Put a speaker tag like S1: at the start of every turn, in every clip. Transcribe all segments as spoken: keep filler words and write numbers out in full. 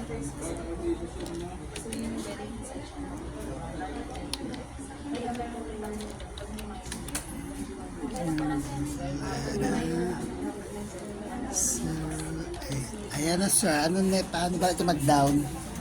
S1: So, ay, ayan na sir. Ano na, paano ba ito mag-down?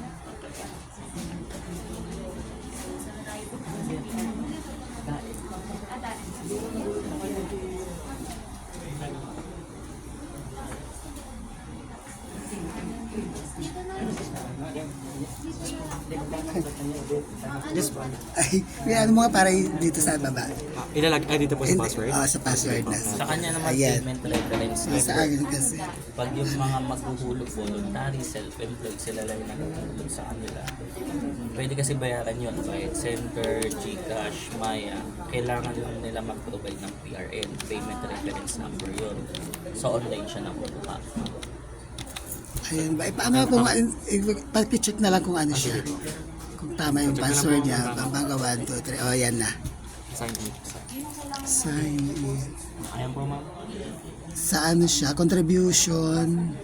S2: This one.
S1: Ay, may ano mga para dito sa baba.
S2: Ah, ilalag, ay dito po sa password.
S1: Oo, sa password na.
S3: Sa kanya naman
S1: Ayan.
S3: payment reference
S1: Sa
S3: number.
S1: akin kasi.
S3: Pag yung mga maghuhulog voluntary, self-employed, sila lang yung naghuhulog sa kanila. Pwede kasi bayaran yun, right? Center, Gcash, Maya. Kailangan lang nila mag-provide ng P R N, payment reference number yun. So online siya nakukuha.
S1: Ayun ba? Eh, paano kung pag-check na lang kung ano siya. Kung tama yung password niya. Bago one, two, three. O, yan na.
S2: Sign in.
S1: Sign in.
S2: Ayan po ma'am.
S1: Sa ano siya? Contribution.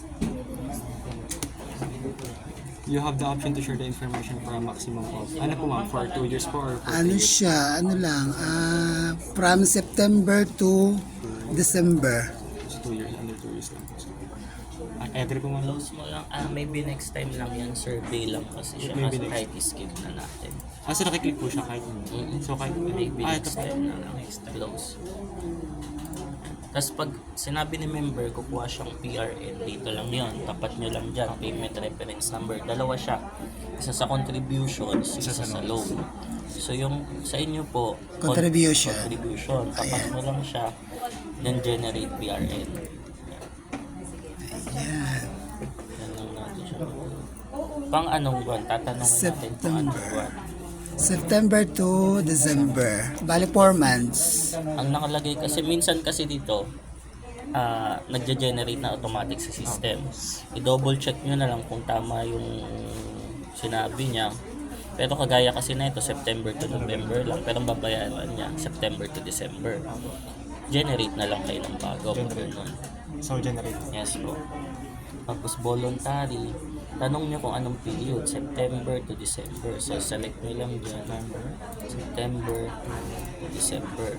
S2: You have the option to share the information for a maximum of, ano po ma'am, for two years po or for
S1: Ano
S2: three years?
S1: siya? Ano lang? ah from September to December.
S2: So two years, under two years lang po. So, ah, Edre po ma'am.
S3: Close mo lang. Ah, maybe next time lang yan. Survey lang kasi siya.
S2: Maybe
S3: Kasi
S2: next-
S3: kahit skip na natin.
S2: Ah, so nakiklik po siya kahit
S3: Mm-mm.
S2: So kahit,
S3: Maybe
S2: ah, ito
S3: next
S2: po.
S3: time na lang. Close. Tapos pag sinabi ni member, kukuha siyang P R N, dito lang yon. Tapat nyo lang dyan, payment reference number. Dalawa siya. Isa sa contributions, isa, sa, loan. So yung sa inyo po, con-
S1: Contribution.
S3: contribution. Tapat mo lang siya, then generate P R N.
S1: Ayan.
S3: Yan lang natin siya. Pang anong buwan? Tatanungin natin kung anong
S1: September.
S3: buwan.
S1: September to December. Bali, four months.
S3: Ang nakalagay kasi, minsan kasi dito, ah nagge-generate na automatic sa system. I-double check nyo na lang kung tama yung sinabi niya. Pero kagaya kasi na ito, September to November lang. Pero ang babayaran niya, September to December. Generate na lang kayo ng bago. Ganun.
S2: So generate.
S3: Yes po. Tapos voluntary, tanong niyo kung anong period, September to December. So select niyo lang dyan, September to December.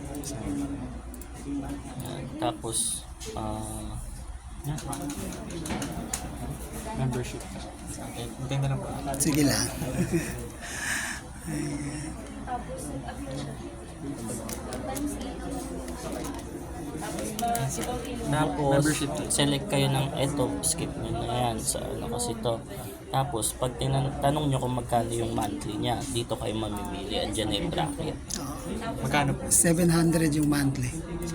S3: Yan. Tapos, ah,
S2: Yeah. Membership. Okay, hintay na lang po.
S1: Sige lang.
S3: tapos
S2: Membership.
S3: select kayo ng eto, skip niyo na yan sa ano kasi to. Tapos, pag tinan- tanong niyo kung magkano yung monthly niya, dito kayo mamimili. Andyan na yung bracket.
S2: Magkano po?
S1: seven hundred yung monthly.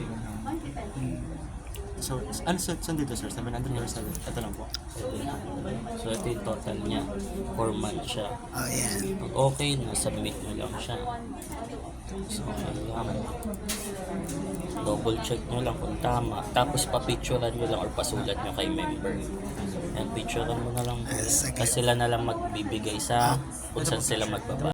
S2: So, ano sa saan dito sir? seven hundred or seven? Ito lang po.
S3: So, ito yung total niya. four months siya.
S1: Oh, yan.
S3: Pag okay na, submit mo lang siya. So, alam. Double check nyo lang kung tama. Tapos, papicturean nyo lang or pasulat nyo kay member. Yan, picturean mo na lang.
S1: Yes, okay.
S3: Kasi sila na lang magbibigay sa kung saan sila magbaba.